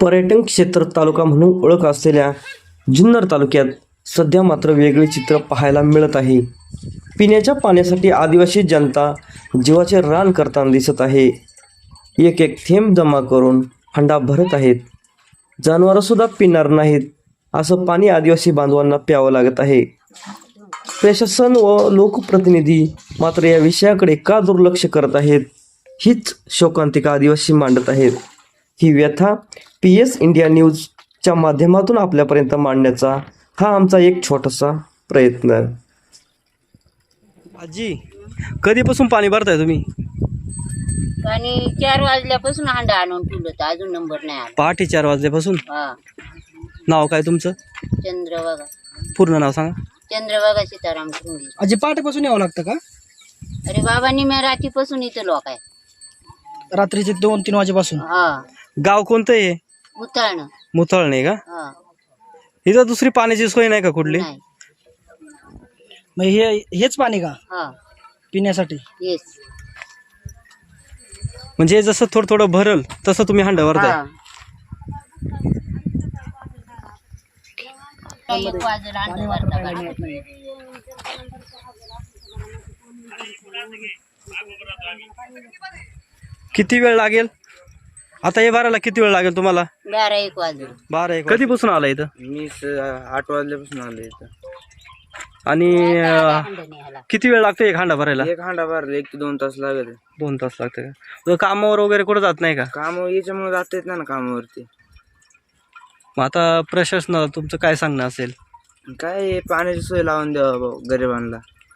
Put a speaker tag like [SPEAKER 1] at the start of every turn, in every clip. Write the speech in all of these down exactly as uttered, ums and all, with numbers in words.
[SPEAKER 1] पर्यटन क्षेत्र तालुका म्हणून ओळख असलेल्या जुन्नर तालुक्यात सध्या मात्र वेगळे चित्र पाहायला मिळत आहे. पिण्याच्या पाण्यासाठी आदिवासी जनता जीवाचे रान करताना दिसत आहे. एक एक थेंब जमा करून हंडा भरत आहेत. जनावरंसुद्धा पिणार नाहीत असं पाणी आदिवासी बांधवांना प्यावं लागत आहे. प्रशासन व लोकप्रतिनिधी मात्र या विषयाकडे का दुर्लक्ष करत आहेत, हीच शोकांतिका आदिवासी मांडत आहेत. ही व्यथा पी एस इंडिया न्यूजच्या माध्यमातून आपल्यापर्यंत मांडण्याचा हा आमचा एक छोटासा प्रयत्न. आजी, कधीपासून पाणी भरताय तुम्ही?
[SPEAKER 2] आणि चार वाजल्यापासून हांडा आणून ठेवलं तर अजून नंबर नाही आला.
[SPEAKER 1] पहाटे चार वाजल्यापासून.
[SPEAKER 2] हा.
[SPEAKER 1] नाव काय तुमचं?
[SPEAKER 2] चंद्रभागा.
[SPEAKER 1] पूर्ण नाव सांगा.
[SPEAKER 2] चंद्रभागा सीताराम ठुंगे.
[SPEAKER 3] आजी पहाटेपासून यावं लागतं का?
[SPEAKER 2] अरे बाबा निम्या रात्रीपासून इथं लोक आहे.
[SPEAKER 3] रात्रीचे दोन तीन वाजेपासून.
[SPEAKER 2] हा.
[SPEAKER 1] गाव कोणतं आहे?
[SPEAKER 2] उतळणं.
[SPEAKER 1] मुथळणे का?
[SPEAKER 2] हा.
[SPEAKER 1] इथं दुसरी पाण्याची सोय नाही का कुठली?
[SPEAKER 2] नाही.
[SPEAKER 3] मग हे हेच पाणी का
[SPEAKER 2] हा.
[SPEAKER 3] पिण्यासाठी?
[SPEAKER 2] येस.
[SPEAKER 1] म्हणजे जसं थोडं थोडं भरल तसं तुम्ही हंडा भरताय.
[SPEAKER 2] हा. एक वाजेला हांडा भरता काढतात.
[SPEAKER 1] किती वेळ लागेल आता हे भरायला? किती वेळ लागेल तुम्हाला?
[SPEAKER 2] बारा एक वाजले.
[SPEAKER 1] बारा एक. कधीपासून आला इथं?
[SPEAKER 4] मी स- आठ वाजल्यापासून आलो इथं.
[SPEAKER 1] आणि अं,
[SPEAKER 2] हांडा नाही आला.
[SPEAKER 1] किती वेळ लागतो एक हांडा भरायला?
[SPEAKER 4] एक हांडा भरला एक ते दोन तास लागेल.
[SPEAKER 1] दोन तास लागते का? कामावर वगैरे कुठं जात नाही का?
[SPEAKER 4] काम याच्यामुळे जाता येत नाही ना कामावरती.
[SPEAKER 1] मग आता प्रशासनाला तुमचं काय सांगणं असेल?
[SPEAKER 4] काय हे पाण्याची सोय लावून द्यावा भाऊ गरिबांना.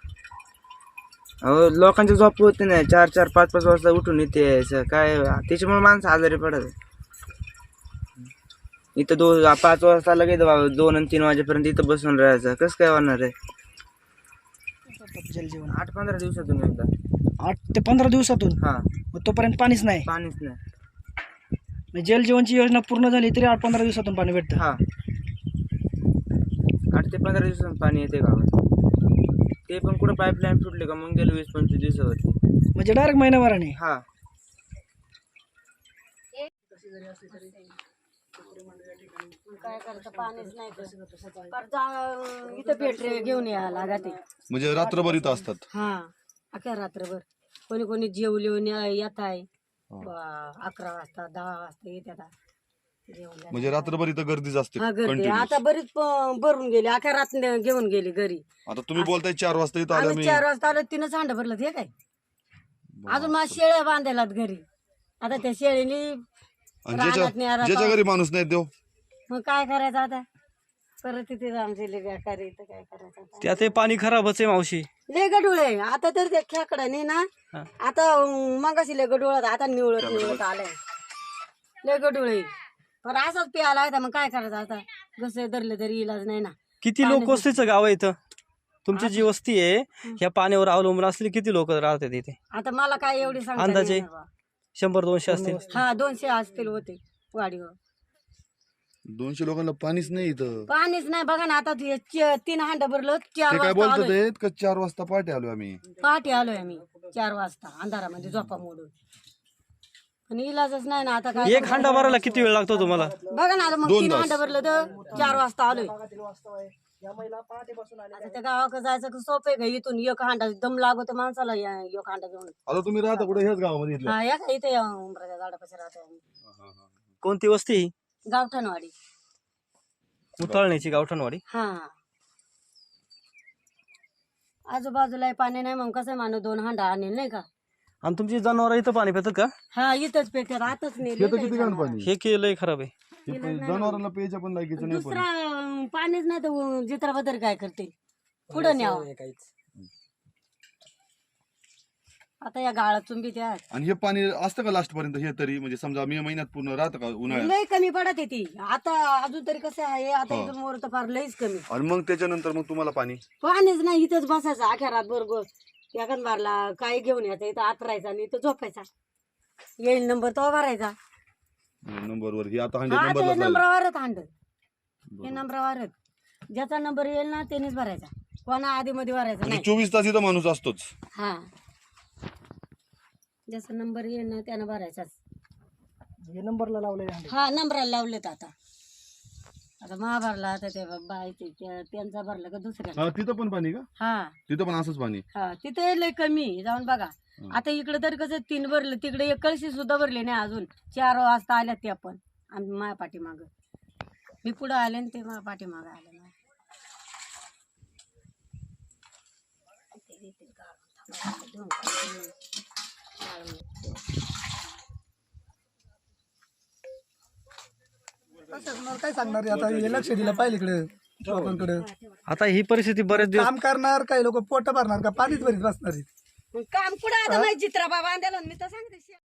[SPEAKER 4] अहो लोकांची झोप होते नाही, चार चार पाच पाच वाजता उठून इथे यायचं काय, त्याच्यामुळे माणसं आजारी पडत. इथं दोन पाच वाजता लगेच बाबा दोन आणि तीन वाजेपर्यंत इथं बसून राहायचं, कसं काय होणार आहे?
[SPEAKER 3] जलजीवन
[SPEAKER 4] आठ पंधरा दिवसातून एकदा.
[SPEAKER 3] आठ ते पंधरा दिवसातून.
[SPEAKER 4] हा.
[SPEAKER 3] मग तोपर्यंत पाणीच नाही.
[SPEAKER 4] पाणीच नाही.
[SPEAKER 3] मग जलजीवनची योजना पूर्ण झाली तरी आठ पंधरा दिवसातून पाणी भेटतं.
[SPEAKER 4] हा. आठ ते पंधरा दिवसातून पाणी येते गावात. ते पण कुठं पाईपलाईन फुटले का मग गेलं वीस पंचवीस दिवसावरती.
[SPEAKER 3] म्हणजे डायरेक्ट महिनाभराने.
[SPEAKER 4] हा.
[SPEAKER 2] काय करतं पाणीच नाही तर. पर जा- इथं पेट्रे घेऊन यायला लागते.
[SPEAKER 5] म्हणजे रात्रभर इथं असतात.
[SPEAKER 2] हा. अख्या रात्रभर कोणी कोणी जेवलीवून येत आहे. अकरा वाजता दहा वाजता येतात जेवण.
[SPEAKER 5] म्हणजे रात्रभर इथं गर्दीच असते
[SPEAKER 2] हा गर्दी
[SPEAKER 5] continuous.
[SPEAKER 2] आता बरीच प- भरून गेली. अख्या रात्र घेऊन गेली घरी.
[SPEAKER 5] आता तुम्ही बोलताय चार वाजता इथं आलं
[SPEAKER 2] आम्ही
[SPEAKER 5] मी.
[SPEAKER 2] चार वाजता आलो तिनंच हांड भरलं ते काय. अजून माझ्या शेळ्या बांधायलात घरी. आता त्या शेळीनी
[SPEAKER 5] आणि
[SPEAKER 2] रानात
[SPEAKER 5] ज्याच्या
[SPEAKER 2] न्यायला
[SPEAKER 5] ज्याच्या घरी माणूस नाही देव.
[SPEAKER 2] मग काय करायचं आता. परत तिथे आमचे लय बेकार आहे, तर काय करायचं आता.
[SPEAKER 1] त्यात हे पाणी खराबच आहे मावशी.
[SPEAKER 2] लय गडूळ आहे आता तर ते खेकडाने ना.
[SPEAKER 1] हा.
[SPEAKER 2] आता मगाशी लय गडूळत, आता निवळत निवळत आलंय. लय गडूळ आहे. पण असंच प्यायला आहे, मग काय करायचं आता. कसं धरलं तरी इलाज नाही ना.
[SPEAKER 1] किती लोक वस्तीचं गाव आहे इथं? तुमची जी वस्ती आहे ह्या पाण्यावर अवलंबून असलेली किती लोक राहतात इथे?
[SPEAKER 2] आता मला काय एवढी सांगता
[SPEAKER 1] अंदाजे?
[SPEAKER 2] नाही बाबा.
[SPEAKER 1] शंभर दोनशे असतील.
[SPEAKER 2] हा दोनशे असतील होते वाडीवर.
[SPEAKER 5] दोनशे लोकांना पाणीच नाही इथं.
[SPEAKER 2] पाणीच नाही बघा ना. आता ते च- तीन हांड भरलं. चार
[SPEAKER 5] ते काय
[SPEAKER 2] वाजता
[SPEAKER 5] बोलतात
[SPEAKER 2] आलोय.
[SPEAKER 5] आहेत का चार वाजता पहाटे आलो आम्ही.
[SPEAKER 2] पहाटे आलोय आम्ही चार वाजता अंधारामध्ये झोपा मोडून. पण इलाजच नाही ना आता काय.
[SPEAKER 1] एक हांडा भरायला किती वेळ लागतो तुम्हाला?
[SPEAKER 2] बघा ना आता मग
[SPEAKER 5] दोन
[SPEAKER 2] तीन
[SPEAKER 5] तास.
[SPEAKER 2] हांड भरलं तर चार वाजता आलोय. आता त्या गावाकडे जायचं का सोपं आहे का? इथून एक हांडा दम लागतो माणसाला या- एक हांडा घेऊन.
[SPEAKER 5] आता तुम्ही राहता कुठे? ह्याच गावामध्ये इथलं.
[SPEAKER 2] हा या का इथे या उंबराच्या झाडापाशी राहतो आम्ही.
[SPEAKER 1] कोणती वस्ती ही?
[SPEAKER 2] गावठाणवाडी.
[SPEAKER 1] मुथळण्याची गावठणवाडी.
[SPEAKER 2] हा. आजूबाजूला पाणी नाही मग कसं माणूस दोन हांडा आणेल नाही का.
[SPEAKER 1] आणि तुमची जनावर इथं पाणी पितात का?
[SPEAKER 2] हा इथंच पेटत आताच
[SPEAKER 5] हे
[SPEAKER 2] नेले
[SPEAKER 5] तर किती घाण पाणी.
[SPEAKER 1] हे केलंय खराब आहे.
[SPEAKER 5] हे पण जनावरांना प्यायच्या पण लायकीचं नाही
[SPEAKER 2] दुसरा
[SPEAKER 5] पाणी.
[SPEAKER 2] अं, पाणीच नाही तर जित्राबद्दल काय करते पुढं न्यावं. आता या गाळात चुंबी त्या
[SPEAKER 5] आणि हे पाणी असतं का लास्ट पर्यंत? हे तरी म्हणजे समजा मे महिन्यात पूर्ण राहतं का उन्हाळ्यात?
[SPEAKER 2] लय कमी पडत ती. आता अजून तरी कसं आहे आता
[SPEAKER 5] हा.
[SPEAKER 2] इथून मोर तर फार लईच कमी.
[SPEAKER 5] आणि मग त्याच्यानंतर मग तुम्हाला पाणी
[SPEAKER 2] पाणीच नाही. इथंच बसायचं अख्या रात बरोबर. एखाद बारला काय घेऊन यायचं इथं आतरायचा आणि इथं झोपायचा. येईल नंबर तो भरायचा.
[SPEAKER 5] नंबरवर हे आता
[SPEAKER 2] हा
[SPEAKER 5] हंड्रेड
[SPEAKER 2] आता हे
[SPEAKER 5] नंबरला
[SPEAKER 2] नंबरावरच हांड. हे नंबरावरच ज्याचा नंबर येईल ना त्यानेच भरायचा. कोणा आधी मध्ये भरायचा
[SPEAKER 5] म्हणजे
[SPEAKER 2] नाही.
[SPEAKER 5] चोवीस तास इथं माणूस असतोच.
[SPEAKER 2] हा ज्याचा नंबर येईल ना त्यानं भरायचाच.
[SPEAKER 3] हे नंबरला लावलेले हंडे.
[SPEAKER 2] हा नंबराला लावलेत आता आता मा भरला आता ते बायचे त्या- त्यांचा भरला का दुसऱ्या
[SPEAKER 5] हा, तिथं पण पाणी का
[SPEAKER 2] हा
[SPEAKER 5] तिथं पण असंच पाणी
[SPEAKER 2] हा तिथे लय कमी आहे, जाऊन बघा. आता इकडे तर कसं तीन भरलं तिकडे एक कळशी सुद्धा भरली नाही अजून. चार वाजता आल्या त्या पण आणि माझ्या पाठीमाग मी पुढं आले आणि ते माझ्या पाठीमाग आले.
[SPEAKER 6] काय सांगणार आहे आता हे लक्ष दिलं पाहिजे इकडे लोकांकडे
[SPEAKER 1] आता ही परिस्थिती बरेच दिवस
[SPEAKER 6] काम करणार काही लोक पोट भरणार का पाणीच भरीत बसणार आहेत.
[SPEAKER 2] काम पुढे आता माझी चित्रा बाबा आणला मी तर सांगते